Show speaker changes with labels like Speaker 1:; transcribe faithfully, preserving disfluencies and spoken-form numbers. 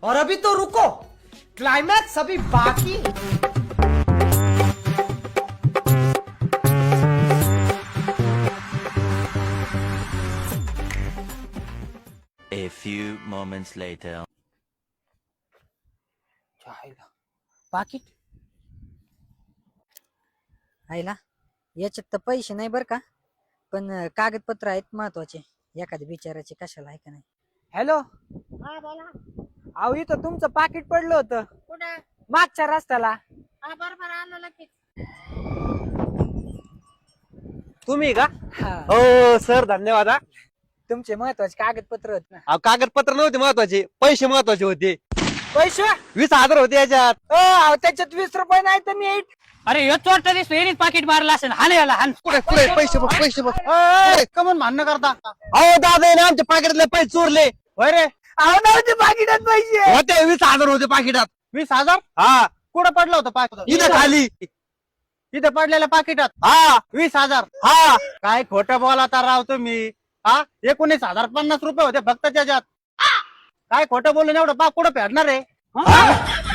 Speaker 1: और अभी तो रुको, क्लाइमैक्स अभी बाकी है।
Speaker 2: A few moments later.
Speaker 3: पाकिट आईला याच्यात तर पैसे नाही बर का, पण अं, कागदपत्र आहेत महत्वाचे. एखाद्या बिचाराचे कशाला आहे का नाही.
Speaker 4: हॅलो,
Speaker 5: हा बोला.
Speaker 4: अहो इथं तुमचं पाकिट पडलं होतं
Speaker 5: कुठे?
Speaker 4: मागच्या रस्त्याला.
Speaker 5: हा बरोबर आलं लगेच.
Speaker 4: तुम्ही का?
Speaker 3: हा,
Speaker 4: हो सर, धन्यवाद. हा.
Speaker 3: तुमचे महत्वाचे कागदपत्र होत ना.
Speaker 6: अहो कागदपत्र नव्हते महत्वाचे, पैसे महत्वाचे होते.
Speaker 4: पैसे?
Speaker 6: वीस हजार होते याच्यात.
Speaker 4: अ, अहो, त्याच्यात वीस रुपये नाही तर नीट.
Speaker 7: अरे ह्यो चोरटा दिसतो, येणीच पाकिट मारला असेल. हान याला हान.
Speaker 6: कुठे कुठे पैसे बघ, पैसे बघ.
Speaker 4: कमन भांडणं करता?
Speaker 6: अहो दादा ना आमच्या पाकिटातले पैसे चोरले.
Speaker 4: होय रे. अहो नव्हते पाकिटात पैसे.
Speaker 6: होते वीस हजार होते पाकिटात.
Speaker 4: वीस हजार
Speaker 6: हा,
Speaker 4: कुठं पडलं होतं पाकिट?
Speaker 6: इथं खाली.
Speaker 4: इथं पडलेल्या पाकिटात
Speaker 6: हा
Speaker 4: वीस हजार.
Speaker 6: हा,
Speaker 4: काय खोटं बोलाता राव तुम्ही. हा, एकोणीस हजार पन्नास रुपये होते फक्त त्याच्यात. काय खोटं बोलून एवढं पा कुठं फेडणार आहे?